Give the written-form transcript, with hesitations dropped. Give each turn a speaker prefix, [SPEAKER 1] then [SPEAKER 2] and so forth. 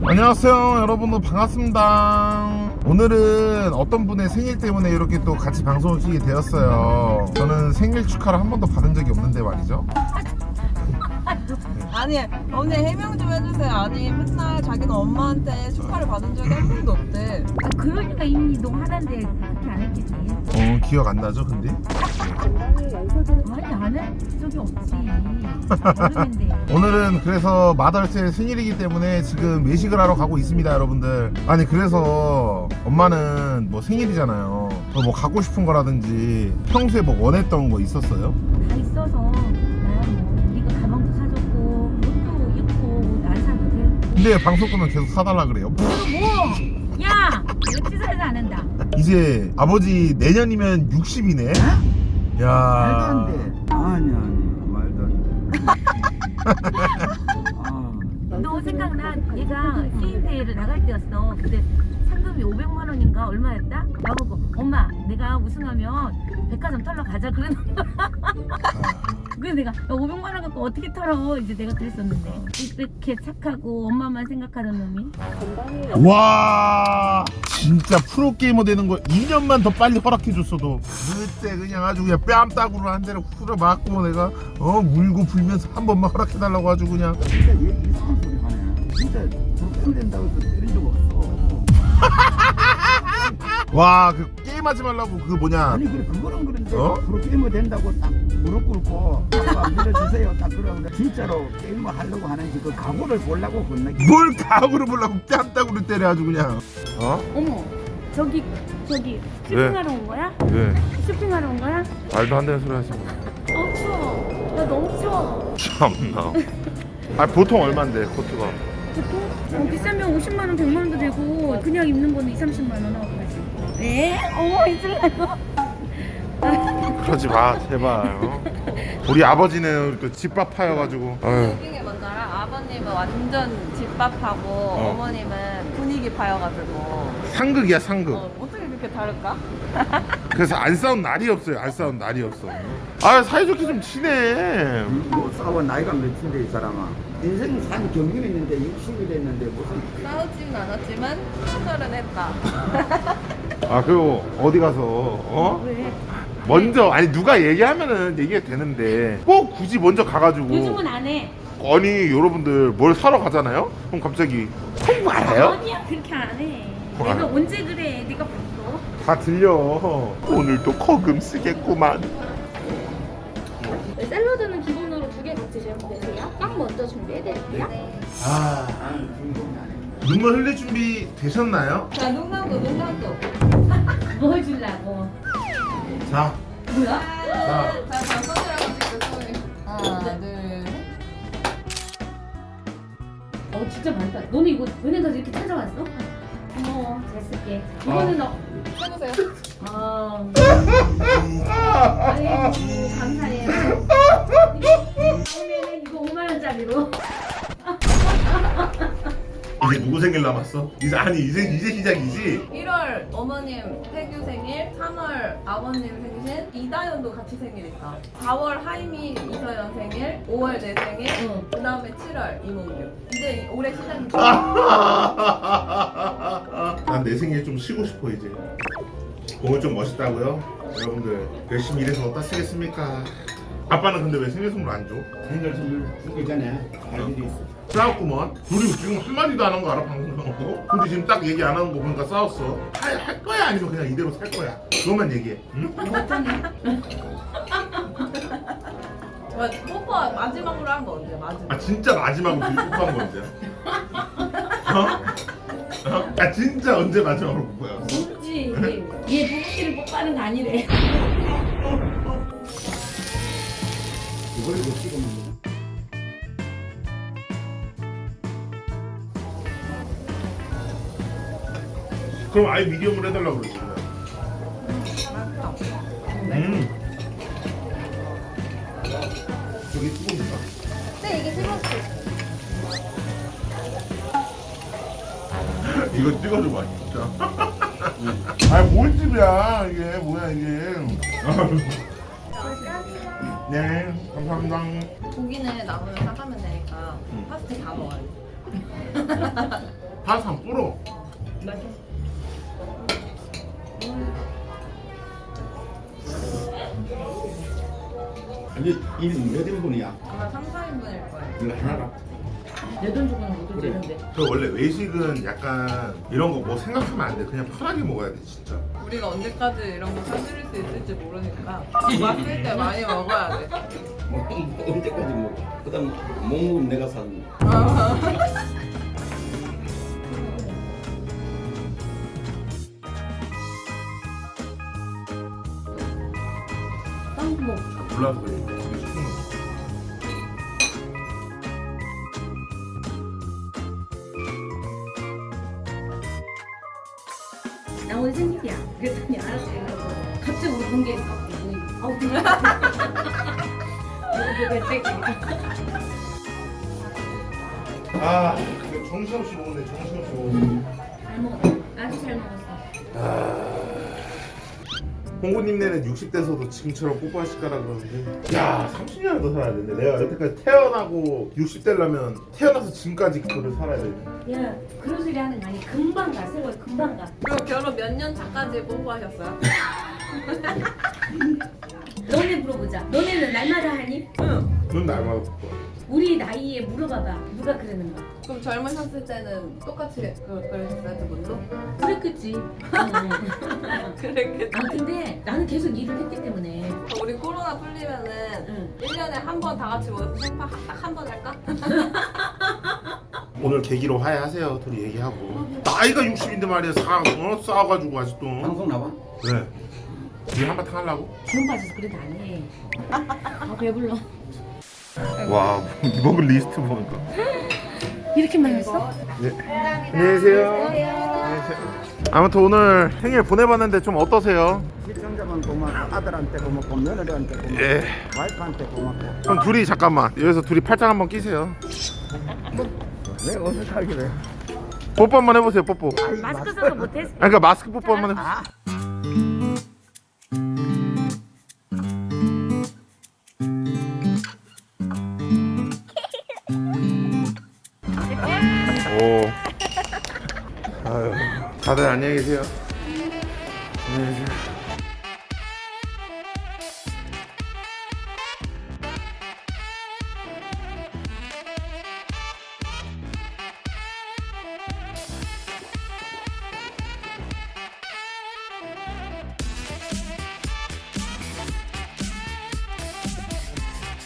[SPEAKER 1] 안녕하세요 여러분들, 반갑습니다. 오늘은 어떤 분의 생일 때문에 이렇게 또 같이 방송을 키게 되었어요. 저는 생일 축하를 한 번도 받은 적이 없는데 말이죠.
[SPEAKER 2] 아니 언니 해명 좀 해주세요. 아니 맨날 자기는 엄마한테 축하를 받은 적이 한 번도 없대.
[SPEAKER 3] 아, 그러니까 이미 너 하는데 그렇게 안 했겠지.
[SPEAKER 1] 기억 안 나죠 근데?
[SPEAKER 3] 아니 안 할 적이 없지. 어른인데.
[SPEAKER 1] 오늘은 그래서 마더스의 생일이기 때문에 지금 외식을 하러 가고 있습니다 여러분들. 아니 그래서 엄마는 뭐 생일이잖아요. 뭐 갖고 싶은 거라든지 평소에 뭐 원했던 거 있었어요?
[SPEAKER 3] 다 있어서 나야 뭐 네가 가방도 사줬고 옷도 입고 안 사도 돼.
[SPEAKER 1] 근데 방송 끄면 계속 사달라 그래요.
[SPEAKER 3] 뭐? 야! 이거 치사해서 안 한다.
[SPEAKER 1] 이제 아버지 내년이면 60이네.
[SPEAKER 4] 말도
[SPEAKER 1] 야.
[SPEAKER 4] 안 돼. 아니 말도 안 돼.
[SPEAKER 3] 너 생각나? 얘가 게임 대회를 나갈 때였어. 근데 상금이 500만 원인가 얼마였다? 나보고 엄마 내가 우승하면 백화점 털러 가자 그러는 거야. 그래서 내가 500만 원 갖고 어떻게 털어? 이제 내가 그랬었는데 이렇게 착하고 엄마만 생각하는 놈이.
[SPEAKER 1] 와 진짜 프로게이머 되는 거 2년만 더 빨리 허락해 줬어도 그때 그냥 아주 그냥 뺨따구로 한 대를 후려 맞고 내가 울고 불면서 한 번만 허락해 달라고 아주 그냥.
[SPEAKER 4] 진짜 얘 이상한 소리 하네. 진짜 그렇게 된다고 해서 때린 적 없어.
[SPEAKER 1] 와 그 게임하지 말라고 그 뭐냐.
[SPEAKER 4] 아니 그래 그거는 그런데
[SPEAKER 1] 어?
[SPEAKER 4] 프로게이머 된다고 딱 무릎 꿇고 아빠 밀어주세요 딱 그러는데 진짜로 게임을 하려고 하는지 그 각오를 보려고 그러나.
[SPEAKER 1] 뭘 가구를 보려고 뺨따구로 때려 아주 그냥.
[SPEAKER 3] 어머 저기 쇼핑하러 온 거야?
[SPEAKER 1] 네
[SPEAKER 3] 쇼핑하러 온 거야?
[SPEAKER 1] 말도 안 되는 소리 하시고.
[SPEAKER 3] 추워. 나 너무 추워.
[SPEAKER 1] 참나. 아 보통 얼만데 코트가?
[SPEAKER 3] 보통 비싸면 50만 원, 100만 원도 되고 그냥 입는 거는 2, 30만 원 하고 그러지. 에? 어머 있을래요?
[SPEAKER 1] 그러지 마 제발. 우리 아버지는 또 집밥 파여가지고. 아유.
[SPEAKER 2] 웃긴 게 뭔지 알아? 아버님은 완전 집밥하고 어머님은 분위기 파여가지고
[SPEAKER 1] 상극이야 상극.
[SPEAKER 2] 어떻게 그렇게 다를까?
[SPEAKER 1] 그래서 안 싸운 날이 없어요. 안 싸운 날이 없어. 아 사이좋게 좀 지내.
[SPEAKER 4] 못 싸워. 나이가 몇인데 이 사람아. 인생 산 경륜이 있는데 60이 됐는데 무슨.
[SPEAKER 2] 싸우지는 않았지만 충돌은 했다.
[SPEAKER 1] 아 그리고 어디 가서
[SPEAKER 3] 왜?
[SPEAKER 1] 먼저 아니 누가 얘기하면은 얘기가 되는데 꼭 굳이 먼저 가가지고.
[SPEAKER 3] 요즘은 안 해.
[SPEAKER 1] 아니 여러분들 뭘 사러 가잖아요? 그럼 갑자기 홍보 알아요?
[SPEAKER 3] 아니야 그렇게 안 해.
[SPEAKER 1] 뭐
[SPEAKER 3] 내가
[SPEAKER 1] 안 해?
[SPEAKER 3] 언제 그래? 네가 봤어?
[SPEAKER 1] 다 들려. 오늘도 거금 쓰겠구만.
[SPEAKER 5] 샐러드는 기본으로 2개 같이 준비되세요. 빵 먼저 준비해드릴게요.
[SPEAKER 1] 아 눈물 흘릴 준비 되셨나요?
[SPEAKER 2] 자 농담도.
[SPEAKER 3] 뭘 주려고?
[SPEAKER 1] 자,
[SPEAKER 3] 뭐야?
[SPEAKER 1] 자.
[SPEAKER 2] 자 손이라고 찍고 손이. 하나 둘.
[SPEAKER 3] 진짜 많다. 너는 이거 은행가서 이렇게 찾아왔어? 고마워. 잘 쓸게. 이거는
[SPEAKER 2] 해보세요.
[SPEAKER 3] 아이고 감사해요. 오늘은 이거 5만 원짜리로.
[SPEAKER 1] 이제 누구 생일 남았어? 이제 시작이지?
[SPEAKER 2] 1월 어머님 태규 생일, 3월 아버님 생신, 이다연도 같이 생일이다. 4월 하이미 이서연 생일, 5월 내 생일, 그 다음에 7월 이몽규. 이제 올해 시작이다.
[SPEAKER 1] 난 내 생일 좀 쉬고 싶어 이제. 오늘 좀 멋있다고요? 여러분들 열심히 일해서 어디다 쓰겠습니까? 아빠는 근데 왜 생일 선물 안 줘?
[SPEAKER 4] 생일 선물 주기 전에 할 일이 있어.
[SPEAKER 1] 싸웠구먼. 둘이 지금 한마디도 안 한 거 알아? 방송 나오고? 둘이 지금 딱 얘기 안 하는 거 보니까 싸웠어. 할 거야 아니면 그냥 이대로 살 거야? 그것만 얘기해. 응?
[SPEAKER 2] 뽀뽀 마지막으로 한 거 언제? 마지막.
[SPEAKER 1] 아 진짜 마지막으로 둘이 뽀뽀한 거 언제야? 아 진짜 언제 마지막으로 뽀뽀야?
[SPEAKER 3] 모르지. 얘 부부끼리 뽀뽀하는 거 아니래.
[SPEAKER 4] 이걸 못 찍으면.
[SPEAKER 1] 그럼 아예 미디엄으로 해달라고 그러지. 저기 뜨거운가?
[SPEAKER 5] 네, 이게 뜨거웠어요.
[SPEAKER 1] 이거 찍어줘봐 진짜. 아니 뭘 집이야 이게 뭐야 이게. 네 감사합니다.
[SPEAKER 2] 고기는 남으면 사가면 되니까 파스타 다 먹어야지.
[SPEAKER 1] 파스타 불어.
[SPEAKER 3] 맞아.
[SPEAKER 4] 이게 몇 인분이야?
[SPEAKER 2] 아마 3, 4인분일 거예요.
[SPEAKER 4] 이거 하나라.
[SPEAKER 3] 내 돈 주고는 못 오지 이런데.
[SPEAKER 1] 그 원래 외식은 약간 이런 거 뭐 생각하면 안 돼. 그냥 편하게 먹어야 돼 진짜.
[SPEAKER 2] 우리가 언제까지 이런 거 사드릴 수 있을지 모르니까 왔을 때 많이 먹어야 돼.
[SPEAKER 4] 언제까지 먹어? 그다음 못 먹으면 내가 사는 거.
[SPEAKER 3] 빵도 먹.
[SPEAKER 1] 몰라서 그래. 되게 쉽은 거.
[SPEAKER 3] 나 오늘 생일이야. 그랬더니 알았어. 이러고. 갑자기 우리 공개. 아우 그래.
[SPEAKER 1] 아, 근데 정신없이 먹네. 정신없이 먹네.
[SPEAKER 3] 잘 먹었어. 아주 잘 먹었어.
[SPEAKER 1] 홍구님네는 60대서도 지금처럼 뽀뽀하실 거라 그러는데 야 30년을 더 살아야 되는데 내가 여태까지 태어나고 60대라면 태어나서 지금까지 그거를 살아야 되네.
[SPEAKER 3] 야 그런 소리 하는 거 아니. 금방 가. 세월 금방 가.
[SPEAKER 2] 그럼 결혼 몇 년 차까지 뽀뽀하셨어요?
[SPEAKER 3] 너네 물어보자. 너네는 날마다 하니?
[SPEAKER 2] 응.
[SPEAKER 1] 넌 날마다 뽀뽀.
[SPEAKER 3] 우리 나이에 물어봐봐. 누가 그러는가?
[SPEAKER 2] 그럼 젊으셨을 때는 똑같이 그러셨어요, 두 분도?
[SPEAKER 3] 그랬겠지.
[SPEAKER 2] 그랬겠지.
[SPEAKER 3] 아 근데 나는 계속 일을 했기 때문에.
[SPEAKER 2] 우리 코로나 풀리면은
[SPEAKER 3] 응.
[SPEAKER 2] 1년에 한 번 다 같이 모여서 생파 딱 한 번 할까?
[SPEAKER 1] 오늘 계기로 화해하세요. 둘이 얘기하고 나이가 60인데 말이야 싸워가지고 아직도
[SPEAKER 4] 방송 나와?
[SPEAKER 1] 그래 둘이 한바탕 하려고?
[SPEAKER 3] 주문 빠져서 그래도 안 해. 아 배불러.
[SPEAKER 1] 와 먹을 리스트 보니까
[SPEAKER 3] 이렇게 많았어?
[SPEAKER 1] 네. 안녕하세요. 아무튼 오늘 생일 보내봤는데 좀 어떠세요?
[SPEAKER 4] 시청자만 고맙고 아들한테 고맙고 며느리한테 고맙고
[SPEAKER 1] 예.
[SPEAKER 4] 와이프한테 고맙고.
[SPEAKER 1] 그럼 둘이 잠깐만 여기서 둘이 팔짱 한번 끼세요.
[SPEAKER 4] 왜 어색하기래?
[SPEAKER 1] 뽀뽀 한번 해보세요. 뽀뽀.
[SPEAKER 3] 마스크 써서 못했어.
[SPEAKER 1] 그러니까 마스크 뽀뽀 한번 해보세요.
[SPEAKER 4] 아,
[SPEAKER 1] 오. 아유, 다들 안녕히 계세요.